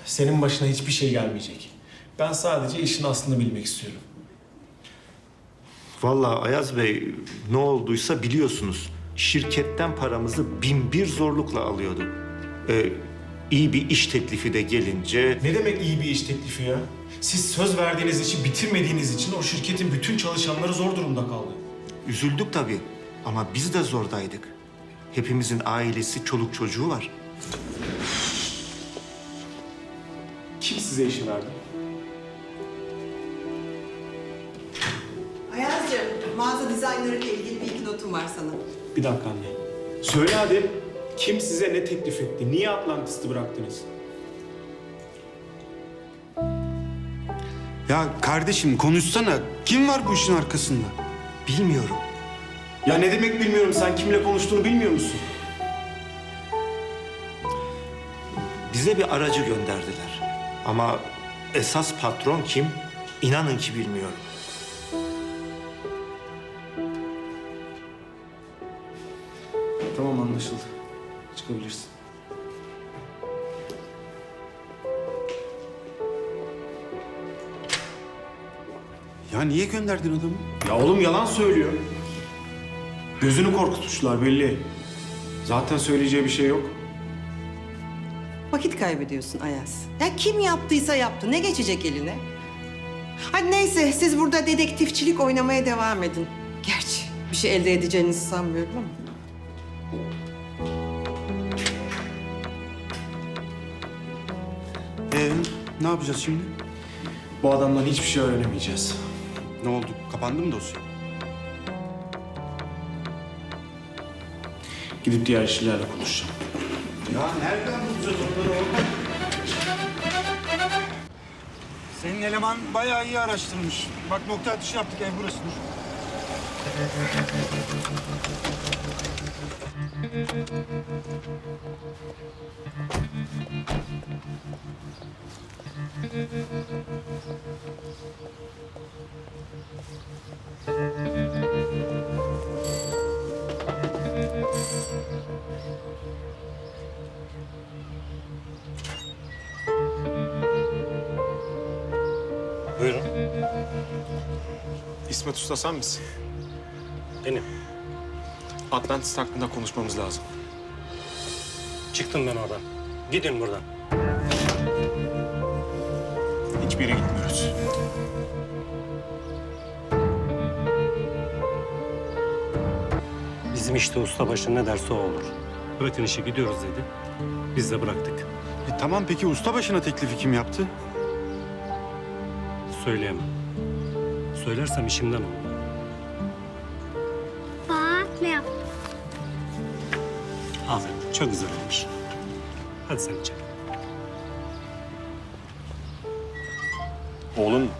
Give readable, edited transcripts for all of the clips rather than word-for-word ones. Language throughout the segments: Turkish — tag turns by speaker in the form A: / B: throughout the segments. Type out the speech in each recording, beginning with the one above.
A: senin başına hiçbir şey gelmeyecek. Ben sadece işin aslını bilmek istiyorum.
B: Vallahi Ayaz Bey, ne olduysa biliyorsunuz. Şirketten paramızı bin zorlukla alıyorduk. İyi bir iş teklifi de gelince...
A: Ne demek iyi bir iş teklifi ya? Siz söz verdiğiniz işi bitirmediğiniz için o şirketin bütün çalışanları zor durumda kaldı.
B: Üzüldük tabii ama biz de zordaydık. Hepimizin ailesi, çoluk çocuğu var.
A: Kim size işi verdi?
C: Ayaz'cığım, mağaza dizaynları ile ilgili bir iki notum var sana.
A: Bir dakika anne. Söyle hadi. Kim size ne teklif etti? Niye Atlantis'i bıraktınız?
D: Ya kardeşim konuşsana. Kim var bu işin arkasında?
B: Bilmiyorum.
A: Ya ne demek bilmiyorum. Sen kimle konuştuğunu bilmiyor musun?
B: Bize bir aracı gönderdiler. Ama esas patron kim? İnanın ki bilmiyorum.
A: Tamam, anlaşıldı. Çıkabilirsin.
D: Ya niye gönderdin adamı?
A: Ya oğlum yalan söylüyor. Gözünü korkutmuşlar belli. Zaten söyleyeceği bir şey yok.
C: Vakit kaybediyorsun Ayaz. Ya kim yaptıysa yaptı. Ne geçecek eline? Hadi neyse, siz burada dedektifçilik oynamaya devam edin. Gerçi bir şey elde edeceğinizi sanmıyorum ama.
D: Ne yapacağız şimdi?
A: Bu adamdan hiçbir şey öğrenemeyeceğiz.
D: Ne oldu? Kapandı mı dosya?
A: Gidip diğer işçilerle konuşacağım.
D: Ya nereden bulacağız onları orada? Senin eleman bayağı iyi araştırmış. Bak nokta atışı yaptık, ev burasıdır.
E: Buyurun.
A: İsmet Usta sen misin?
E: Benim.
A: Atlantis hakkında konuşmamız lazım.
E: Çıktım ben oradan. Gidin buradan.
A: Hiçbir yere gitmiyoruz.
E: Bizim işte ustabaşı ne derse o olur. Bırakın işi gidiyoruz dedi. Biz de bıraktık.
D: Tamam peki ustabaşına teklifi kim yaptı?
E: Söyleyemem. Söylersem işimden olur.
F: Bak ne yaptım.
E: Aferin. Çok güzel olmuş. Hadi sen içeri.
A: Oğlun mu?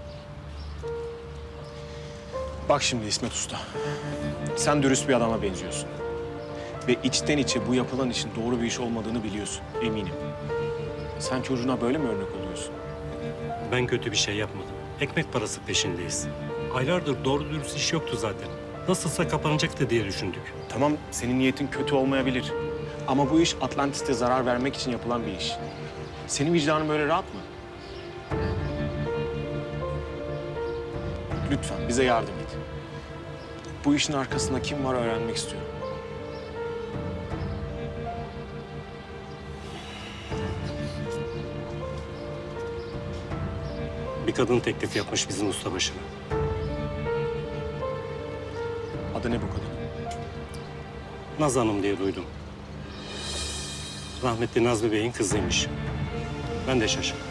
A: Bak şimdi İsmet Usta. Sen dürüst bir adama benziyorsun. Ve içten içe bu yapılan işin doğru bir iş olmadığını biliyorsun, eminim. Sen çocuğuna böyle mi örnek oluyorsun?
E: Ben kötü bir şey yapmadım. Ekmek parası peşindeyiz. Aylardır doğru dürüst iş yoktu zaten. Nasılsa kapanacaktı diye düşündük.
A: Tamam, senin niyetin kötü olmayabilir. Ama bu iş Atlantis'te zarar vermek için yapılan bir iş. Senin vicdanın böyle rahat mı? Lütfen bize yardım et. Bu işin arkasında kim var öğrenmek istiyorum.
E: Bir kadın teklif yapmış bizim ustabaşına.
A: Adı ne bu kadın?
E: Naz Hanım diye duydum. Rahmetli Nazmi Bey'in kızıymış. Ben de şaşırdım.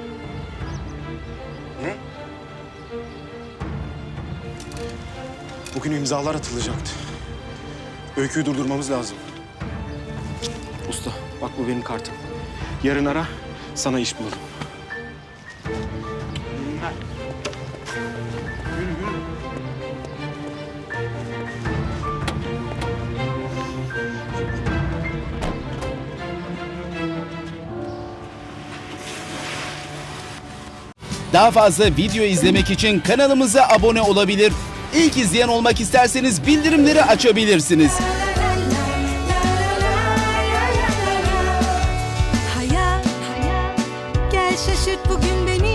D: Ne?
A: Bugün imzalar atılacaktı. Öyküyü durdurmamız lazım. Usta, bak bu benim kartım. Yarın ara, sana iş bulalım.
G: Daha fazla video izlemek için kanalımıza abone olabilir. İlk izleyen olmak isterseniz bildirimleri açabilirsiniz.
F: şaşırt bugün beni.